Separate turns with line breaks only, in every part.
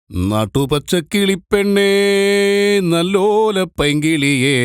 നട്ടുപച്ചക്കിളിപ്പെണ്ണേ നല്ലോല പൈങ്കിളിയേ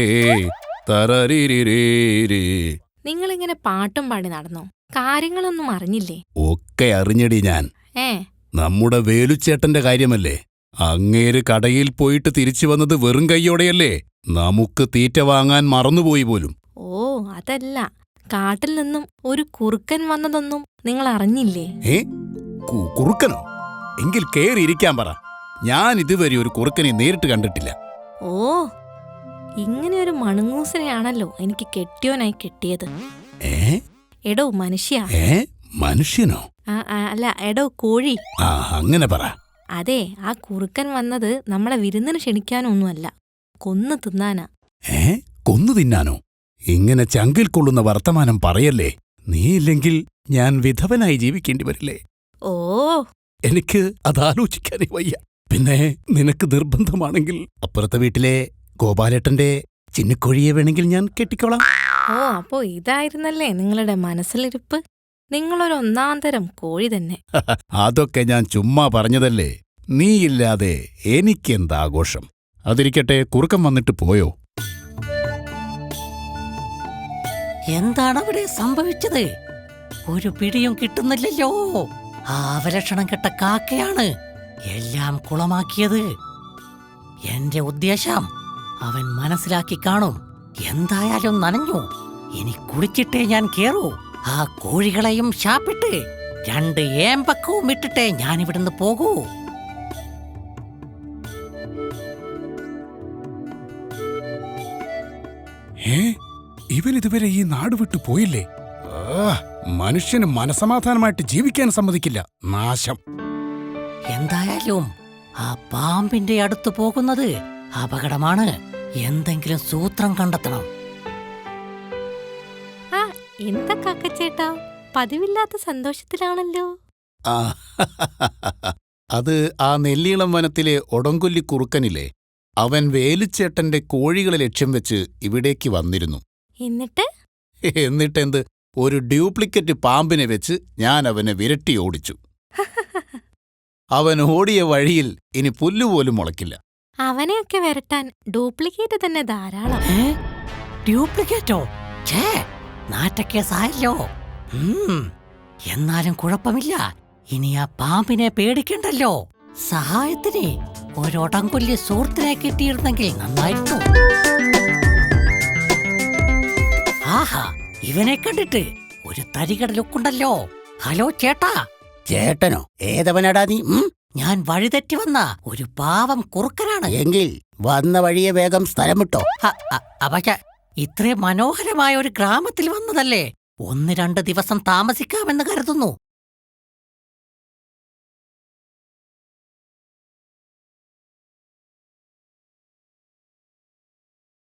തരരിരേ.
നിങ്ങളിങ്ങനെ പാട്ടും പാടി നടന്നോ? കാര്യങ്ങളൊന്നും അറിഞ്ഞില്ലേ?
ഒക്കെ അറിഞ്ഞടി ഞാൻ. നമ്മുടെ വേലുച്ചേട്ടന്റെ കാര്യമല്ലേ? അങ്ങേര് കടയിൽ പോയിട്ട് തിരിച്ചു വന്നത് വെറും കൈയോടെയല്ലേ? നമുക്ക് തീറ്റ വാങ്ങാൻ മറന്നുപോയി പോലും.
ഓ അതല്ല, കാട്ടിൽ നിന്നും ഒരു കുറുക്കൻ വന്നതൊന്നും നിങ്ങൾ അറിഞ്ഞില്ലേ?
കുറുക്കനോ? എങ്കിൽ കേറിയിരിക്കാൻ പറ. ഞാൻ ഇതുവരെ ഒരു കുറുക്കനെ നേരിട്ട് കണ്ടിട്ടില്ല.
ഓ, ഇങ്ങനെ ഒരു മണങ്ങൂസനെയാണല്ലോ എനിക്ക് കെട്ടിയോനായി കിട്ടിയത്. എടോ മനുഷ്യ.
മനുഷ്യനോ?
അല്ല എടോ കോഴി.
അങ്ങനെ പറ.
അതെ, ആ കുറുക്കൻ വന്നത് നമ്മളെ വിരുന്നിന് ക്ഷണിക്കാനൊന്നുമല്ല, കൊന്നു തിന്നാനാ.
കൊന്നു തിന്നാനോ? ഇങ്ങനെ ചങ്കിൽ കൊള്ളുന്ന വർത്തമാനം പറയല്ലേ. നീയില്ലെങ്കിൽ ഞാൻ വിധവനായി ജീവിക്കേണ്ടി വരില്ലേ?
ഓ,
എനിക്ക് അതാലോചിക്കാനേ വയ്യ. പിന്നെ നിനക്ക് നിർബന്ധമാണെങ്കിൽ അപ്പുറത്തെ വീട്ടിലെ ഗോപാലേട്ടന്റെ ചിന്നിക്കോഴിയെ വേണമെങ്കിൽ ഞാൻ കെട്ടിക്കോളാം.
ഓ, അപ്പോ ഇതായിരുന്നല്ലേ നിങ്ങളുടെ മനസ്സിലിരിപ്പ്? നിങ്ങളൊരു ഒന്നാന്തരം കോഴി തന്നെ.
അതൊക്കെ ഞാൻ ചുമ്മാ പറഞ്ഞതല്ലേ. നീയില്ലാതെ എനിക്കെന്താഘോഷം. അതിരിക്കട്ടെ, കുറുക്കം വന്നിട്ട് പോയോ?
എന്താണ് അവിടെ സംഭവിച്ചത്? ഒരു പിടിയും കിട്ടുന്നില്ലല്ലോ. ആ അവലക്ഷണം കെട്ട കാക്കയാണ് എല്ലാം കുളമാക്കിയത്. എന്റെ ഉദ്ദേശം അവൻ മനസ്സിലാക്കി കാണും. എന്തായാലും നനഞ്ഞു. ഇനി കുളിച്ചിട്ടേ ഞാൻ കേറൂ. ആ കോഴികളെയും ശാപ്പിട്ട് 2 ഏമ്പക്കവും ഇട്ടിട്ടേ ഞാനിവിടുന്ന് പോകൂ.
ഇവനിതുവരെ ഈ നാട് വിട്ടു പോയില്ലേ? മനുഷ്യന് മനസമാധാനമായിട്ട് ജീവിക്കാൻ സമ്മതിക്കില്ല. നാശം.
എന്തായാലും ആ പാമ്പിന്റെ അടുത്ത് പോകുന്നത് അപകടമാണ്. എന്തെങ്കിലും സൂത്രം കണ്ടെത്തണം.
എന്താ കാക്കച്ചേട്ടാ, പതിവില്ലാത്ത സന്തോഷത്തിലാണല്ലോ.
അത് ആ നെല്ലീളം വനത്തിലെ ഒടങ്കൊല്ലി കുറുക്കനില്ലേ, അവൻ വേലുച്ചേട്ടന്റെ കോഴികളെ ലക്ഷ്യം വെച്ച് ഇവിടേക്ക് വന്നിരുന്നു. എന്നിട്ടെന്ത്, ഒരു ഡ്യൂപ്ലിക്കറ്റ് പാമ്പിനെ വെച്ച് ഞാൻ അവനെ വിരട്ടി ഓടിച്ചു. അവൻ ഓടിയ വഴിയിൽ ഇനി പുല്ലുപോലും മുളയ്ക്കില്ല.
അവനെയൊക്കെ വരട്ടാൻ ഡ്യൂപ്ലിക്കേറ്റ് തന്നെ ധാരാളം.
ഡ്യൂപ്ലിക്കേറ്റോ? നാറ്റക്കേസായല്ലോ. എന്നാലും കുഴപ്പമില്ല. ഇനി ആ പാമ്പിനെ പേടിക്കണ്ടല്ലോ. സഹായത്തിന് ഒരൊടങ്കൊല്ലി സുഹൃത്തിനെ കിട്ടിയിരുന്നെങ്കിൽ നന്നായിരുന്നു. ആഹാ, ഇവനെ കണ്ടിട്ട് ഒരു തരികട ലുക്കുണ്ടല്ലോ. ഹലോ ചേട്ടാ.
ചേട്ടനോ? ഏതവനടാ നീ?
ഞാൻ വഴിതെറ്റി വന്ന ഒരു പാവം കുറുക്കനാണ്.
എങ്കിൽ വന്ന വഴിയെ വേഗം സ്ഥലം വിട്ടോ.
പക്ഷേ ഇത്രയും മനോഹരമായ ഒരു ഗ്രാമത്തിൽ വന്നതല്ലേ. 1-2 ദിവസം താമസിക്കാമെന്ന് കരുതുന്നു.